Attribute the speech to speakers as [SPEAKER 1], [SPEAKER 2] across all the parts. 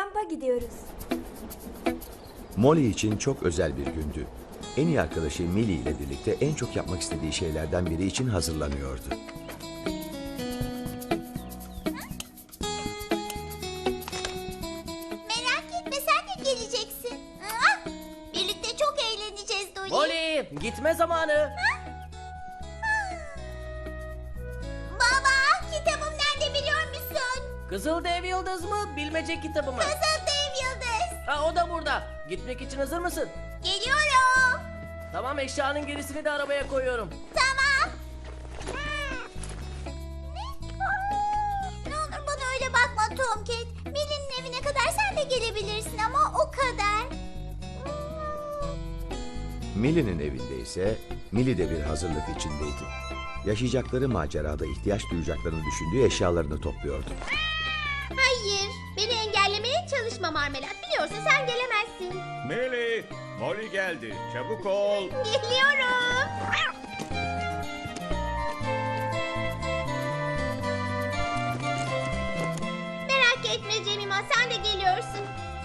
[SPEAKER 1] kampa gidiyoruz.
[SPEAKER 2] Molly için çok özel bir gündü. En iyi arkadaşı Millie ile birlikte en çok yapmak istediği şeylerden biri için hazırlanıyordu.
[SPEAKER 3] Merak etme, sen de geleceksin. Birlikte çok eğleneceğiz Dolly.
[SPEAKER 4] Molly, gitme zamanı.
[SPEAKER 3] Baba, kitabım nerede biliyor musun?
[SPEAKER 4] Kızıl Dev Yıldız mı, bilmece kitabı mı?
[SPEAKER 3] Kızıl Dev Yıldız.
[SPEAKER 4] Ha, o da burada. Gitmek için hazır mısın?
[SPEAKER 3] Geliyorum.
[SPEAKER 4] Tamam, eşyanın gerisini de arabaya koyuyorum.
[SPEAKER 3] Tamam. Ne olur bana öyle bakma Tomcat. Millie'nin evine kadar sen de gelebilirsin ama o kadar.
[SPEAKER 2] Millie'nin evinde ise Millie de bir hazırlık içindeydi. Yaşayacakları macerada ihtiyaç duyacaklarını düşündüğü eşyalarını topluyordu.
[SPEAKER 3] Hayır, beni engellemeye çalışma Marmelat. Biliyorsun sen gelemezsin.
[SPEAKER 5] Millie, Molly geldi. Çabuk ol.
[SPEAKER 3] Geliyorum. Merak etme Cemima, sen de geliyorsun.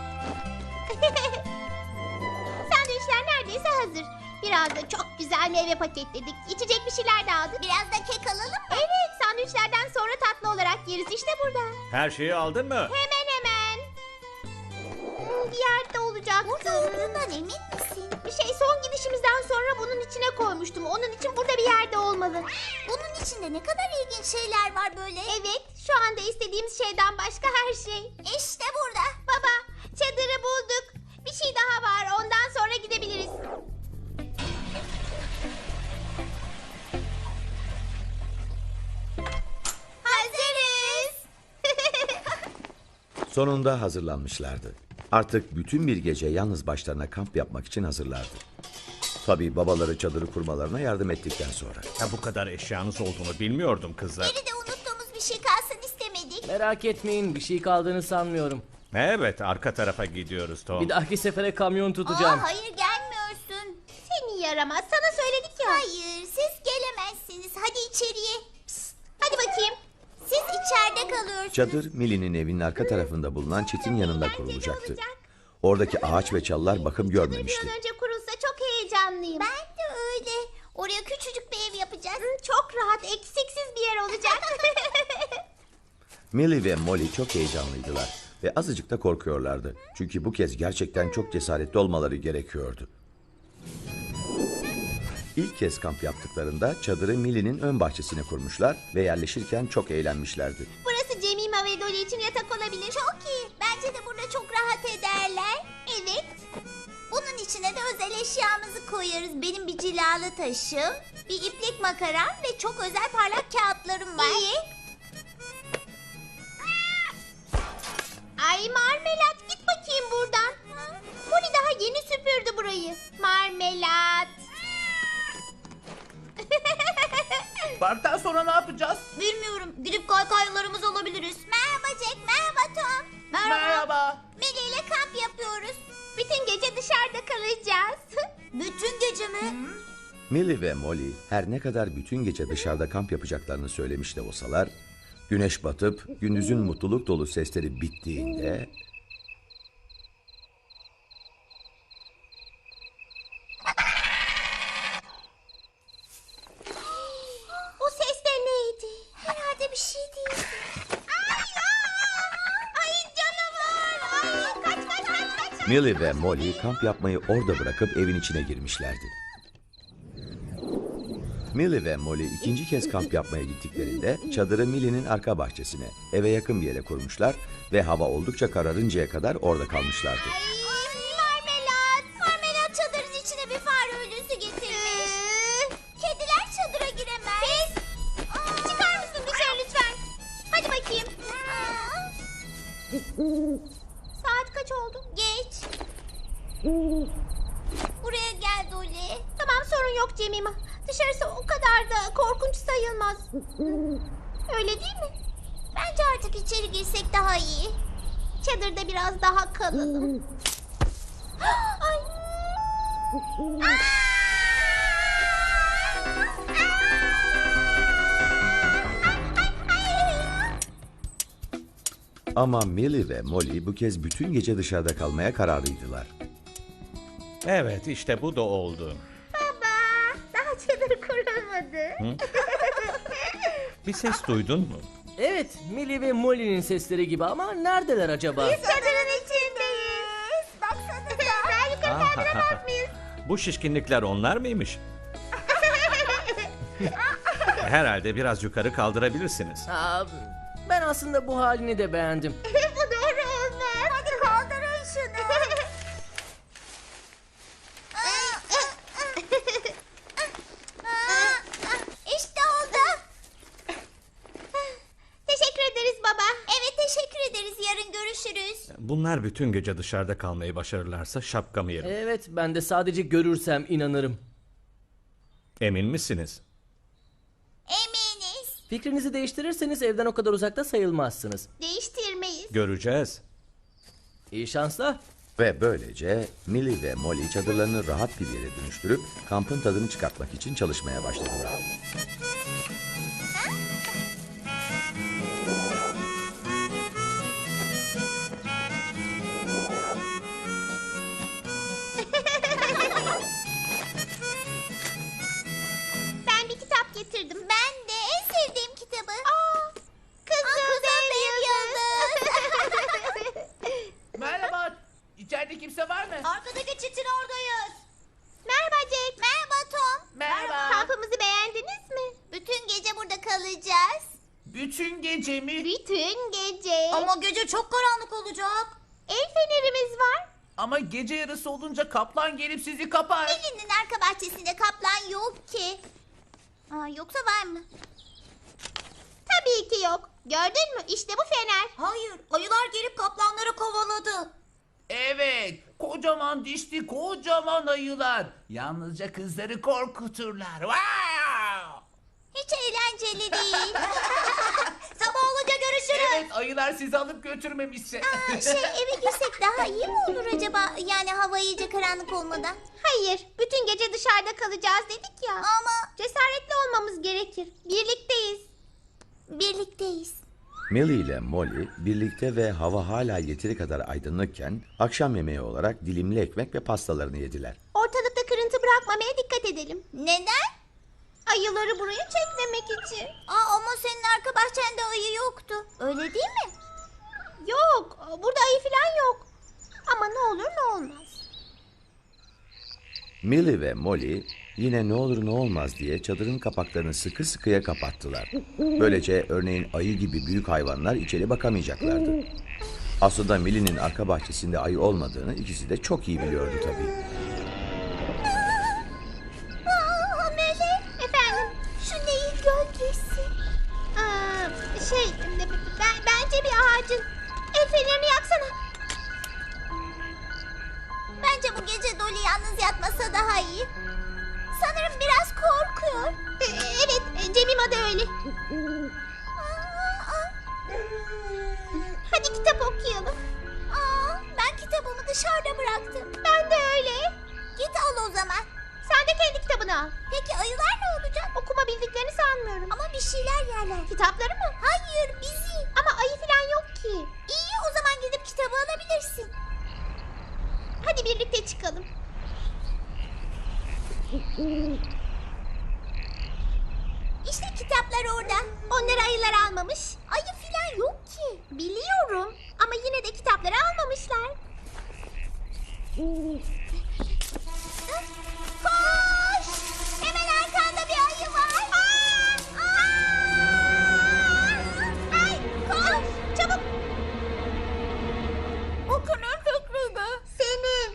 [SPEAKER 3] Sandviçler neredeyse hazır. Biraz da çok güzel meyve paketledik. İçecek bir şeyler de aldık. Biraz da kek alalım mı? Evet, sandviçlerden sonra tatlı olarak yeriz. İşte burada.
[SPEAKER 5] Her şeyi aldın mı?
[SPEAKER 3] Hemen hemen. Bir yerde olacaktı. Burada olduğundan emin misin? Bir şey son gidişimizden sonra bunun içine koymuştum. Onun için burada bir yerde olmalı. Bunun içinde ne kadar ilginç şeyler var böyle. Evet, şu anda istediğimiz şeyden başka her şey. İşte burada. Baba, çadırı bulduk. Bir şey daha var, ondan sonra gidebiliriz. Hazırız.
[SPEAKER 2] Sonunda hazırlanmışlardı. Artık bütün bir gece yalnız başlarına kamp yapmak için hazırlardı. Tabii babaları çadırı kurmalarına yardım ettikten sonra.
[SPEAKER 5] Bu kadar eşyanız olduğunu bilmiyordum kızlar.
[SPEAKER 3] Geride unuttuğumuz bir şey kalsın istemedik.
[SPEAKER 4] Merak etmeyin, bir şey kaldığını sanmıyorum.
[SPEAKER 5] Evet, arka tarafa gidiyoruz Tom.
[SPEAKER 4] Bir dahaki sefere kamyon tutacağım.
[SPEAKER 3] Hayır gelmiyorsun. Seni yaramaz. Sana söyledik ya. Hayır siz gelemezsiniz. Hadi içeriye. Psst, hadi bakayım. Siz içeride kalıyorsunuz.
[SPEAKER 2] Çadır Millie'nin evinin arka tarafında bulunan çitin yanında kurulacaktı. Oradaki ağaç ve çalılar bakım görmemişti.
[SPEAKER 3] Bir an önce kurulsa çok heyecanlıyım. Ben de öyle. Oraya küçücük bir ev yapacağız. Çok rahat, eksiksiz bir yer olacak.
[SPEAKER 2] Millie ve Molly çok heyecanlıydılar ve azıcık da korkuyorlardı. Çünkü bu kez gerçekten çok cesaretli olmaları gerekiyordu. İlk kez kamp yaptıklarında çadırı Millie'nin ön bahçesine kurmuşlar ve yerleşirken çok eğlenmişlerdi.
[SPEAKER 3] Burası Cemima ve Dolly için yatak olabilir. Çok iyi. Bence de burada çok rahat ederler. Evet. Bunun içine de özel eşyamızı koyarız. Benim bir cilalı taşım, bir iplik makaram ve çok özel parlak kağıtlarım var. İyi. Ay Marmelat, git bakayım buradan. Molly daha yeni süpürdü burayı. Marmelat.
[SPEAKER 4] Parktan sonra ne yapacağız?
[SPEAKER 3] Bilmiyorum. Gidip kaykaylarımızı alabiliriz. Merhaba Jack, merhaba Tom.
[SPEAKER 4] Merhaba.
[SPEAKER 3] Millie ile kamp yapıyoruz. Bütün gece dışarıda kalacağız. Bütün gece mi?
[SPEAKER 2] Millie ve Molly her ne kadar bütün gece dışarıda kamp yapacaklarını söylemiş de olsalar, güneş batıp gündüzün mutluluk dolu sesleri bittiğinde...
[SPEAKER 3] O ses de neydi? Herhalde bir şey değil. Ay canavar! Ay kaç.
[SPEAKER 2] Millie ve Molly kamp yapmayı orada bırakıp evin içine girmişlerdi. Millie ve Molly ikinci kez kamp yapmaya gittiklerinde çadırı Millie'nin arka bahçesine, eve yakın bir yere kurmuşlar ve hava oldukça kararıncaya kadar orada kalmışlardı.
[SPEAKER 3] Marmelat çadırın içine bir fare ölüsü getirmiş. Kediler çadıra giremez. Çıkar mısın dışarı lütfen? Hadi bakayım. Saat kaç oldu? Geç. Buraya gel Dolly. Tamam sorun yok Cemima. Dışarısı o kadar da korkunç sayılmaz. Öyle değil mi? Bence artık içeri girsek daha iyi. Çadırda biraz daha kalalım. Ay.
[SPEAKER 2] Ama Millie ve Molly bu kez bütün gece dışarıda kalmaya kararlıydılar.
[SPEAKER 5] Evet, işte bu da oldu.
[SPEAKER 3] Baba, daha çadır kurulmadı.
[SPEAKER 5] Bir ses duydun mu?
[SPEAKER 4] Evet, Millie ve Molly'nin sesleri gibi ama neredeler acaba?
[SPEAKER 3] Çadırın içindeyiz. Baksanıza. Ben yukarı kaldıramaz mıyız?
[SPEAKER 5] Bu şişkinlikler onlar mıymış? Herhalde biraz yukarı kaldırabilirsiniz.
[SPEAKER 4] Aa, ben aslında bu halini de beğendim.
[SPEAKER 3] Bu doğru olmaz. Hadi kaldırın şunu. İşte oldu. Teşekkür ederiz baba. Evet teşekkür ederiz. Yarın görüşürüz.
[SPEAKER 5] Bunlar bütün gece dışarıda kalmayı başarırlarsa şapkamı yerim.
[SPEAKER 4] Evet, ben de sadece görürsem inanırım.
[SPEAKER 5] Emin misiniz?
[SPEAKER 3] Eminiz.
[SPEAKER 4] Fikrinizi değiştirirseniz evden o kadar uzakta sayılmazsınız.
[SPEAKER 3] Değiştirmeyiz.
[SPEAKER 5] Göreceğiz.
[SPEAKER 4] İyi şanslar.
[SPEAKER 2] Ve böylece Millie ve Molly çadırlarını rahat bir yere dönüştürüp kampın tadını çıkartmak için çalışmaya başladılar.
[SPEAKER 3] Ben bir kitap getirdim. Ben de en sevdiğim kitabı. Kızıl Dev Yıldız.
[SPEAKER 4] Merhaba, içeride kimse var mı?
[SPEAKER 3] Arkadaki çitin oradayız. Merhaba Jack. Merhaba Tom.
[SPEAKER 4] Merhaba.
[SPEAKER 3] Kampımızı beğendiniz mi? Bütün gece burada kalacağız.
[SPEAKER 4] Bütün gece mi?
[SPEAKER 3] Bütün gece. Ama gece çok karanlık olacak. El fenerimiz var.
[SPEAKER 4] Ama gece yarısı olunca kaplan gelip sizi kapar.
[SPEAKER 3] Elinin arka bahçesinde kaplan yok ki. Yoksa var mı? Tabii ki yok. Gördün mü? İşte bu fener. Hayır. Ayılar gelip kaplanları kovaladı.
[SPEAKER 1] Evet, kocaman dişli kocaman ayılar. Yalnızca kızları korkuturlar. Wow!
[SPEAKER 3] Hiç eğlenceli değil. Sabah olunca görüşürüz.
[SPEAKER 1] Evet, ayılar sizi alıp götürmemişse.
[SPEAKER 3] Eve girsek daha iyi mi olur acaba? Yani hava iyice karanlık olmadan. Hayır. Bütün gece dışarıda kalacağız dedik ya. Ama cesaretli olmamız gerekir. Birlikteyiz. Birlikteyiz.
[SPEAKER 2] Millie ile Molly birlikte ve hava hala yeteri kadar aydınlıkken akşam yemeği olarak dilimli ekmek ve pastalarını yediler.
[SPEAKER 3] Ortalıkta kırıntı bırakmamaya dikkat edelim. Neden? Ayıları buraya çekmemek için. Ama senin arka bahçende ayı yoktu. Öyle değil mi? Yok. Burada ayı falan yok. Ama ne olur ne olmaz.
[SPEAKER 2] Millie ve Molly yine ne olur ne olmaz diye çadırın kapaklarını sıkı sıkıya kapattılar. Böylece örneğin ayı gibi büyük hayvanlar içeri bakamayacaklardı. Aslında Millie'nin arka bahçesinde ayı olmadığını ikisi de çok iyi biliyordu tabii.
[SPEAKER 3] Melek. Efendim? Şu neyin gölgesi? Bence bir ağacın. El fenerini yaksana. Bence bu gece Dolly yalnız yatmasa daha iyi. Sanırım biraz korkuyor. Evet, Cemima da öyle. Hadi kitap okuyalım. Ben kitabımı dışarıda bıraktım. Ben de öyle. Git al o zaman. Sen de kendi kitabını al. Peki ayılar ne olacak? Okuma bildiklerini sanmıyorum. Ama bir şeyler yerler. Kitapları mı? Hayır, bizi. Ama ayı falan yok ki. İyi, o zaman gidip kitabı alabilirsin. Hadi birlikte çıkalım. İşte kitaplar orada. Onları ayılar almamış. Ayı falan yok ki. Biliyorum. Ama yine de kitapları almamışlar. Koş! Hemen arkanda bir ayı var. Ay, koş! Çabuk! O kimin fikriydi? Senin.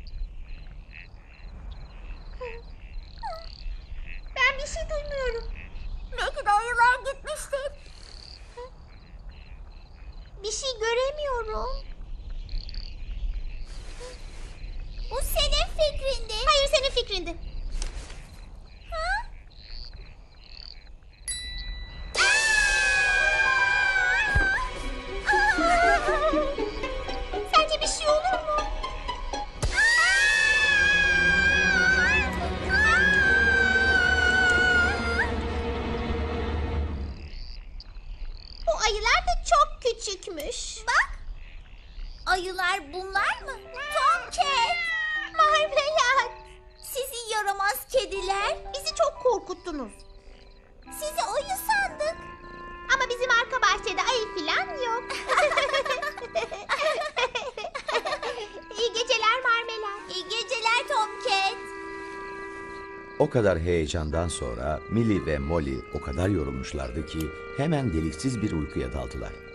[SPEAKER 3] Ben bir şey duymuyorum. Belki de ayılar gitmiştir. Bir şey göremiyorum. Bu senin fikrindi. Hayır, senin fikrindi. Ha? Sence bir şey olur mu? Bu ayılar da çok küçükmüş. Ayılar bunlar mı? Tomcat! Marmelat! Sizi yaramaz kediler. Bizi çok korkuttunuz. Sizi ayı sandık. Ama bizim arka bahçede ayı falan yok. İyi geceler Marmelat. İyi geceler Tomcat.
[SPEAKER 2] O kadar heyecandan sonra Millie ve Molly o kadar yorulmuşlardı ki hemen deliksiz bir uykuya daldılar.